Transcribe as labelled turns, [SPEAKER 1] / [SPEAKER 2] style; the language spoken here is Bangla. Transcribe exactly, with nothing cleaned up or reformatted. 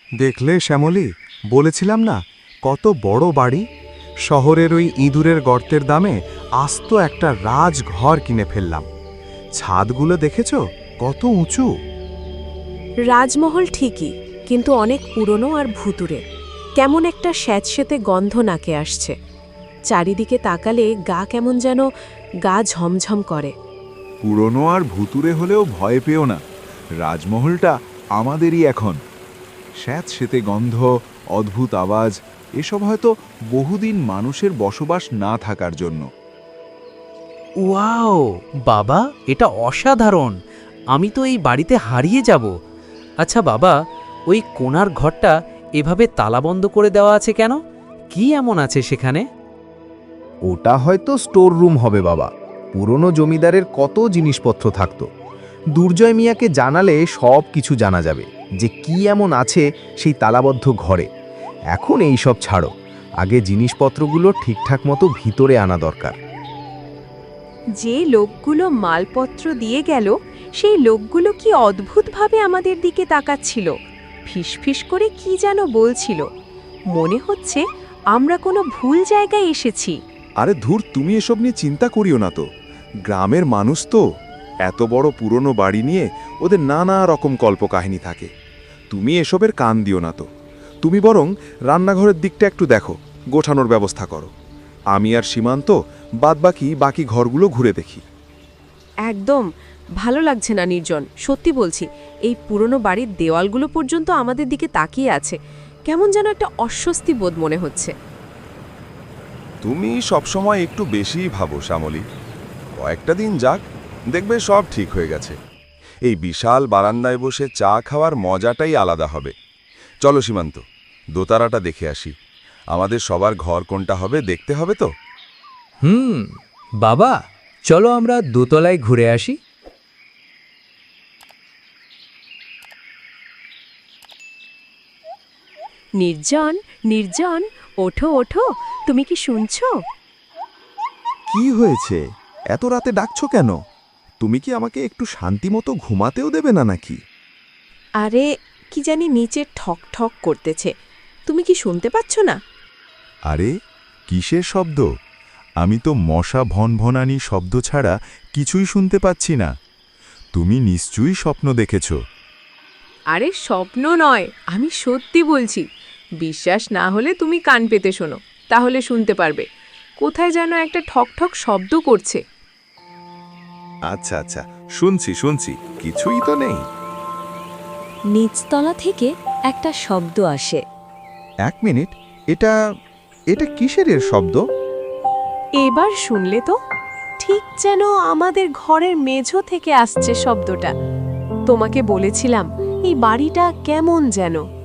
[SPEAKER 1] দেখলে শ্যামলী, বলেছিলাম না কত বড় বাড়ি। শহরের ওই ইঁদুরের গর্তের দামে আস্ত একটা রাজঘর কিনে ফেললাম। ছাদগুলো দেখেছ কত উঁচু।
[SPEAKER 2] রাজমহল ঠিকই, কিন্তু অনেক পুরনো আর ভুতুরে। কেমন একটা স্যাঁতসেঁতে গন্ধ নাকে আসছে। চারিদিকে তাকালে গা কেমন যেন গা ঝমঝম করে।
[SPEAKER 3] পুরনো আর ভুতুরে হলেও ভয় পেও না, রাজমহলটা আমাদেরই এখন। স্যাঁতসেঁতে গন্ধ, অদ্ভুত আওয়াজ, এসব হয়তো বহুদিন মানুষের বসবাস না থাকার জন্য।
[SPEAKER 4] ওয়াও বাবা, এটা অসাধারণ। আমি তো এই বাড়িতে হারিয়ে যাব। আচ্ছা বাবা, ওই কোণার ঘরটা এভাবে তালাবন্ধ করে দেওয়া আছে কেন? কি এমন আছে সেখানে?
[SPEAKER 5] ওটা হয়তো স্টোর রুম হবে বাবা। পুরনো জমিদারের কত জিনিসপত্র থাকতো। দুর্জয় মিয়াকে জানালে সব কিছু জানা যাবে যে কি এমন আছে সেই তালাবদ্ধ ঘরে। এখন এই সব ছাড়ো, আগে জিনিসপত্রগুলো ঠিকঠাক মতো ভিতরে আনা দরকার।
[SPEAKER 2] যে লোকগুলো মালপত্র দিয়ে গেল, সেই লোকগুলো কি অদ্ভুতভাবে আমাদের দিকে তাকাচ্ছিল। ফিসফিস করে কি যেন বলছিল। মনে হচ্ছে আমরা কোনো ভুল জায়গায় এসেছি।
[SPEAKER 3] আরে ধুর, তুমি এসব নিয়ে চিন্তা করিও না তো। গ্রামের মানুষ তো, এত বড় পুরনো বাড়ি নিয়ে ওদের নানা রকম কল্পকাহিনী থাকে। তুমি এসবের কান দিও না তো। তুমি বরং রান্নাঘরের দিকটা একটু দেখো, গোছানোর ব্যবস্থা করো। আমি আর সীমান্ত বাদবাকি বাকি ঘরগুলো ঘুরে দেখি।
[SPEAKER 2] একদম ভালো লাগছে না নির্জন, সত্যি বলছি। এই পুরনো বাড়ির দেওয়ালগুলো পর্যন্ত আমাদের দিকে তাকিয়ে আছে। কেমন যেন একটা অস্বস্তি বোধ মনে হচ্ছে।
[SPEAKER 6] তুমি সবসময় একটু বেশিই ভাবো শ্যামলী। কয়েকটা দিন যাক, দেখবে সব ঠিক হয়ে গেছে। এই বিশাল বারান্দায় বসে চা খাওয়ার মজাটাই আলাদা হবে। চলো সীমান্ত, দোতারাটা দেখে আসি। আমাদের সবার ঘর কোনটা হবে দেখতে হবে তো।
[SPEAKER 4] হুম বাবা, চলো আমরা দোতলায় ঘুরে আসি।
[SPEAKER 2] নির্জন, নির্জন, ওঠো ওঠো, তুমি কি শুনছো?
[SPEAKER 3] কি হয়েছে? এত রাতে ডাকছো কেন? তুমি কি আমাকে একটু শান্তিমতো ঘুমাতেও দেবে না নাকি?
[SPEAKER 2] আরে কি জানি নিচে ঠক ঠক করতেছে, তুমি কি শুনতে পাচ্ছ না?
[SPEAKER 3] আরে কিসের শব্দ? আমি তো মশা ভনভনানি শব্দ ছাড়া কিছুই শুনতে পাচ্ছি না। তুমি নিশ্চয়ই স্বপ্ন দেখেছ।
[SPEAKER 2] আরে স্বপ্ন নয়, আমি সত্যি বলছি। বিশ্বাস না হলে তুমি কান পেতে শোনো, তাহলে শুনতে পারবে। কোথায় যেন একটা ঠক ঠক শব্দ করছে।
[SPEAKER 6] আচ্ছা আচ্ছা, শুনছি শুনছি, কিছুই তো নেই।
[SPEAKER 7] নিচতলা থেকে একটা শব্দ আসে।
[SPEAKER 3] এক মিনিট, এটা এটা কিসের এর শব্দ?
[SPEAKER 2] এবার শুনলে তো, ঠিক যেন আমাদের ঘরের মেঝো থেকে আসছে শব্দটা। তোমাকে বলেছিলাম এই বাড়িটা কেমন যেন।